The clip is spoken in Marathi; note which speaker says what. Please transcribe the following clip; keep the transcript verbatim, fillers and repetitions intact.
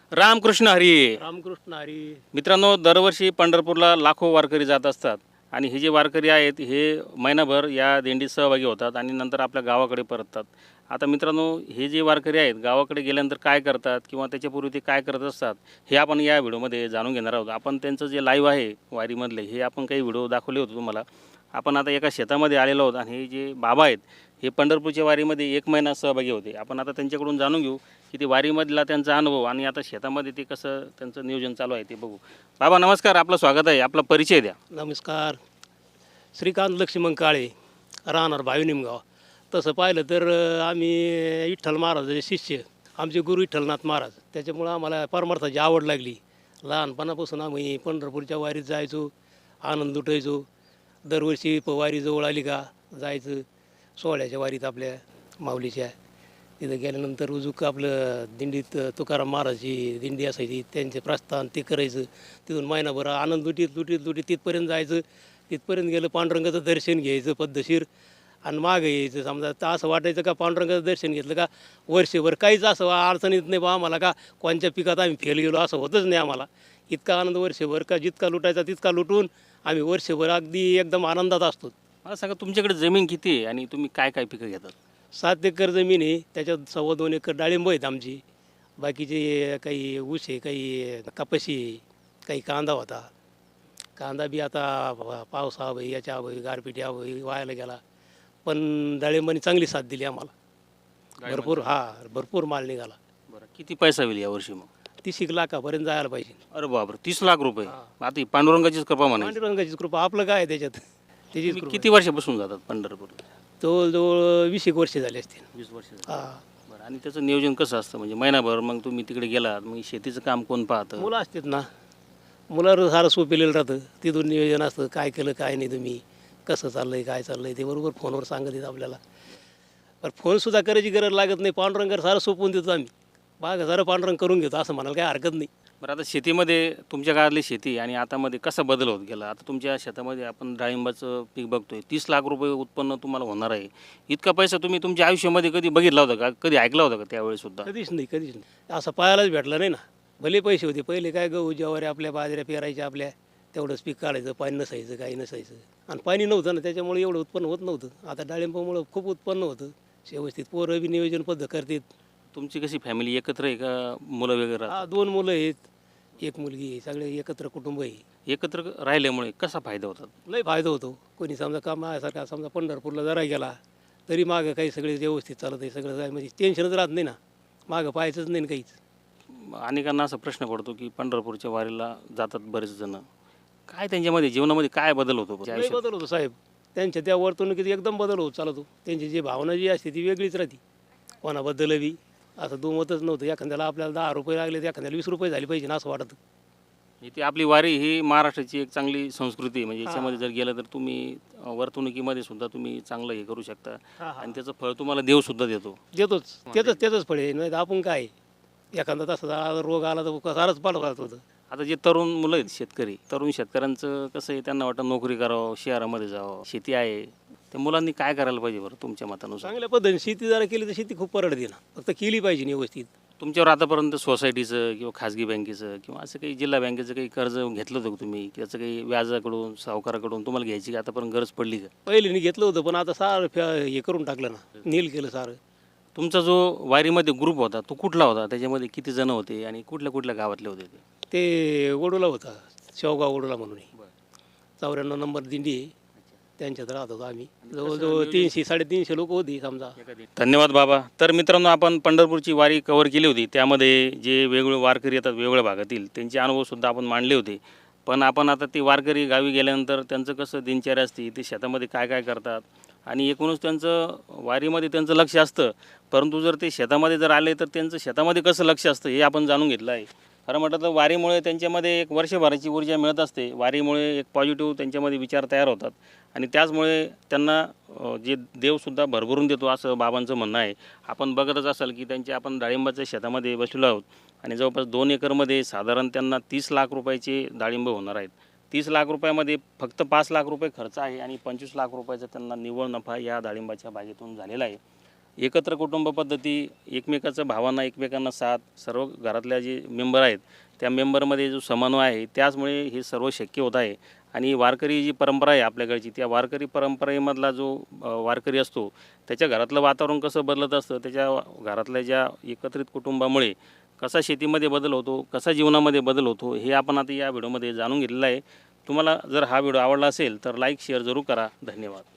Speaker 1: रामकृष्ण हरी.
Speaker 2: रामकृष्ण हरी.
Speaker 1: मित्रांनो, दरवर्षी पंढरपूरला लाखो वारकरी जात असतात आणि हे जे वारकरी आहेत हे महिनाभर या दिंडीत सहभागी होतात आणि नंतर आपल्या गावाकडे परततात. आता मित्रांनो, हे जे वारकरी आहेत गावाकडे गेल्यानंतर काय करतात किंवा त्याच्यापूर्वी ते काय करत असतात हे आपण या व्हिडिओमध्ये जाणून घेणार आहोत. आपण त्यांचं जे लाईव्ह आहे वारीमधले हे आपण काही व्हिडिओ दाखवले होते तुम्हाला. आपण आता एका शेतामध्ये आलेलो आहोत आणि हे जे बाबा आहेत हे पंढरपूरच्या वारीमध्ये एक महिना सहभागी होते. आपण आता त्यांच्याकडून जाणून घेऊ की ते वारीमधला त्यांचा अनुभव आणि आता शेतामध्ये ते कसं त्यांचं नियोजन चालू आहे ते बघू. बाबा नमस्कार, आपलं स्वागत आहे. आपला परिचय द्या.
Speaker 2: नमस्कार. श्रीकांत लक्ष्मण काळे, राहणार भावी निमगाव. तसं पाहिलं तर अ, आम्ही विठ्ठल महाराजाचे शिष्य, आमचे गुरु विठ्ठलनाथ महाराज. त्याच्यामुळं आम्हाला परमार्थाची आवड लागली. लहानपणापासून आम्ही पंढरपूरच्या वारीत जायचो, आनंद लुटायचो. दरवर्षी प वारी जवळ आली का जायचं सोहळ्याच्या वारीत आपल्या माऊलीच्या. तिथं गेल्यानंतर उजूक आपलं दिंडीत तुकाराम महाराजची दिंडी असायची, त्यांचे प्रस्थान ते करायचं. तिथून महिनाभर आनंद लुटीत लुटीत लुटीत तिथपर्यंत जायचं. तिथपर्यंत गेलं पांडुरंगाचं दर्शन घ्यायचं पद्धतशीर आणि मागं यायचं. समजा तर असं वाटायचं का पांडुरंगाचं दर्शन घेतलं का वर्षभर काहीच असं अडचणीत नाही बा आम्हाला, का कोणत्या पिकात आम्ही फेल गेलो असं होतच नाही आम्हाला. इतका आनंद वर्षभर का जितका लुटायचा तितका लुटून आम्ही वर्षभर अगदी एकदम आनंदात असतो.
Speaker 1: मला सांगा, तुमच्याकडे जमीन किती आहे आणि तुम्ही काय काय पिकं घेतात?
Speaker 2: सात एकर जमीन आहे, त्याच्यात सव्वा दोन एकर डाळिंब आहेत आमची. बाकीचे काही ऊस आहे, काही कपाशी आहे, काही कांदा होता. कांदा बी आता प- पावसा अभावी याच्या अभावी गारपिटी अभावी वायाला गेला. पण डाळिंबाने चांगली साथ दिली आम्हाला. भरपूर हा भरपूर माल निघाला.
Speaker 1: बरं, किती पैसा होईल यावर्षी मग?
Speaker 2: तीस एक लाखापर्यंत जायला पाहिजे.
Speaker 1: अरे बापरे, तीस लाख रुपये.
Speaker 2: हा.
Speaker 1: आता ही पांडुरंगाचीच कृपा म्हणायची.
Speaker 2: पांडुरंगाचीच कृपा, आपलं काय आहे त्याच्यात, त्याचीच
Speaker 1: तुम्ही
Speaker 2: कृपा.
Speaker 1: किती वर्षापासून जातात पंढरपूर?
Speaker 2: जवळजवळ वीस एक वर्ष झाली असतील.
Speaker 1: वीस वर्ष.
Speaker 2: हा.
Speaker 1: बरं, आणि त्याचं नियोजन कसं असतं? म्हणजे महिनाभर मग तुम्ही तिकडे गेलात, मग शेतीचं काम कोण पाहतं?
Speaker 2: मुलं असतात ना, मुलावर सारं सोपेलेलं राहतं. तिथून नियोजन असतं, काय केलं काय नाही, तुम्ही कसं चाललं आहे काय चाललं आहे ते बरोबर फोनवर सांगत येत आपल्याला. पण फोनसुद्धा करायची गरज लागत नाही. पांडुरंगावर सारं सोपवून देतो आम्ही. बाग सारं पांडुरंग करून घेतो असं म्हणायला काही हरकत नाही.
Speaker 1: बरं, आता शेतीमध्ये तुमच्या काळातली शेती आणि आतामध्ये कसा बदल होत गेला? आता तुमच्या शेतामध्ये आपण डाळिंबाचं पीक बघतोय, तीस लाख रुपये उत्पन्न तुम्हाला होणार आहे. इतका पैसा तुम्ही तुमच्या आयुष्यामध्ये कधी बघितला होता का? कधी ऐकला होता का त्यावेळेस सुद्धा?
Speaker 2: कधीच नाही कधीच नाही असं पाहायलाच भेटलं नाही ना. भले पैसे होते पहिले, काय गहू ज्वारी आपल्या बाजऱ्या पेरायच्या आपल्या, तेवढंच पीक काढायचं, पाणी नसायचं काही नसायचं. आणि पाणी नव्हतं ना, त्याच्यामुळे एवढं उत्पन्न होत नव्हतं. आता डाळिंबामुळं खूप उत्पन्न होतं व्यवस्थित. पोरं बी नियोजन पद्धत करतात.
Speaker 1: तुमची कशी फॅमिली एकत्र आहे का मुलं वगैरे राहतात?
Speaker 2: हा, दोन मुलं आहेत, एक मुलगी आहे, सगळे एकत्र कुटुंब आहे.
Speaker 1: एकत्र राहिल्यामुळे कसा फायदा होतात?
Speaker 2: लय फायदा होतो. कोणी समजा कामासारखा समजा पंढरपूरला जरा गेला तरी मागं काही सगळे व्यवस्थित चालत आहे, सगळं काय म्हणजे टेन्शनच राहत नाही ना, मागं पाहायचंच नाही ना काहीच.
Speaker 1: अनेकांना असा प्रश्न पडतो की पंढरपूरच्या वारीला जातात बरेच जण, काय त्यांच्यामध्ये जीवनामध्ये काय बदल होतो त्या
Speaker 2: लय
Speaker 1: आयुष्यात?
Speaker 2: बदल होतो साहेब. त्यांच्या त्या वर्तणुकीत एकदम बदल होत चालतो. त्यांची जी भावना जी असते ती वेगळीच राहते. कोणाबद्दल बी असं दुमतच नव्हतं. एखाद्याला आपल्याला दहा रुपये लागले तर एखाद्याला वीस रुपये झाले पाहिजे ना असं वाटतं.
Speaker 1: इथे आपली वारी ही महाराष्ट्राची एक चांगली संस्कृती आहे. म्हणजे
Speaker 2: हा.
Speaker 1: याच्यामध्ये जर गेलं तर तुम्ही अ, वर्तणुकीमध्ये सुद्धा तुम्ही चांगलं हे करू शकता
Speaker 2: हा, हा.
Speaker 1: आणि त्याचं फळ तुम्हाला देव सुद्धा देतो.
Speaker 2: देतोच, त्याचंच त्याचंच फळ आहे. नाही तर आपण काय, एखादा तसा रोग आला तर सारंच पाठवत होतं.
Speaker 1: आता जे तरुण मुलं आहेत शेतकरी, तरुण शेतकऱ्यांचं कसं आहे, त्यांना वाटतं नोकरी करावं, शहरामध्ये जावं, शेती आहे. त्या मुलांनी काय करायला पाहिजे बरं तुमच्या मतानुसार?
Speaker 2: चांगल्या पद्धतीने शेती जरा केली तर शेती खूप परवडते ना, फक्त केली पाहिजे ना व्यवस्थित.
Speaker 1: तुमच्यावर आतापर्यंत सोसायटीचं किंवा खाजगी बँकेचं किंवा असं काही जिल्हा बँकेचं काही कर्ज घेतलं होतं का तुम्ही? त्याचं काही व्याजाकडून सावकाराकडून तुम्हाला घ्यायची का आतापर्यंत गरज पडली का?
Speaker 2: पहिले मी घेतलं होतं पण आता सारं फ्या हे करून टाकलं ना, नील केलं सारं.
Speaker 1: तुमचा जो वारीमध्ये ग्रुप होता तो कुठला होता? त्याच्यामध्ये किती जण होते आणि कुठल्या कुठल्या गावातले होते ते?
Speaker 2: ते वडोला होता, शेवगाव वडोला म्हणून आहे. चौऱ्याण्णव नंबर दिंडी आहे, त्यांच्यात राहत होतो आम्ही. जवळजवळ तीनशे साडेतीनशे लोक होती समजा.
Speaker 1: धन्यवाद बाबा. तर मित्रांनो, आपण पंढरपूरची वारी कव्हर केली होती. त्यामध्ये जे वेगवेगळे वारकरी येतात वेगवेगळ्या भागातील, त्यांचे अनुभवसुद्धा आपण मांडले होते. पण आपण आता ती वारकरी गावी गेल्यानंतर त्यांचं कसं दिनचर्या असते, ते शेतामध्ये काय काय करतात आणि एकूणच त्यांचं वारीमध्ये त्यांचं लक्ष असतं. परंतु जर ते शेतामध्ये जर आले तर त्यांचं शेतामध्ये कसं लक्ष असतं हे आपण जाणून घेतलं आहे. खरं म्हटलं तर वारीमुळे त्यांच्यामध्ये एक वर्षभराची ऊर्जा मिळत असते. वारीमुळे एक पॉझिटिव्ह त्यांच्यामध्ये विचार तयार होतात आणि त्याचमुळे त्यांना अ, जे देवसुद्धा भरभरून देतो असं बाबांचं म्हणणं आहे. आपण बघतच असाल की त्यांच्या आपण डाळिंबाच्या शेतामध्ये बसलेलो आहोत आणि जवळपास दोन एकरमध्ये साधारण त्यांना तीस लाख रुपयाचे डाळिंब होणार आहेत. तीस लाख रुपयामध्ये फक्त पाच लाख रुपये खर्च आहे आणि पंचवीस लाख रुपयाचा त्यांना निव्वळ नफा या डाळिंबाच्या बागेतून झालेला आहे. एकत्र कुटुंब पद्धती, एकमेकाचं भावांना एकमेकांना साथ, सर्व घरातल्या जे मेंबर आहेत त्या मेंबरमध्ये जो समन्वय आहे त्याचमुळे हे सर्व शक्य होत आहे. आणि वारकरी जी परंपरा आहे आपल्याकडची, त्या वारकरी परंपरेमधला जो अ, वारकरी असतो त्याच्या घरातलं वातावरण कसं बदलत असतं, त्याच्या घरातल्या ज्या एकत्रित कुटुंबामुळे कसा शेतीमध्ये बदल होतो, कसा जीवनामध्ये बदल होतो, हे आपण आता या व्हिडिओमध्ये जाणून घेतलेलं आहे. तुम्हाला जर हा व्हिडिओ आवडला असेल तर लाईक शेअर जरूर करा. धन्यवाद.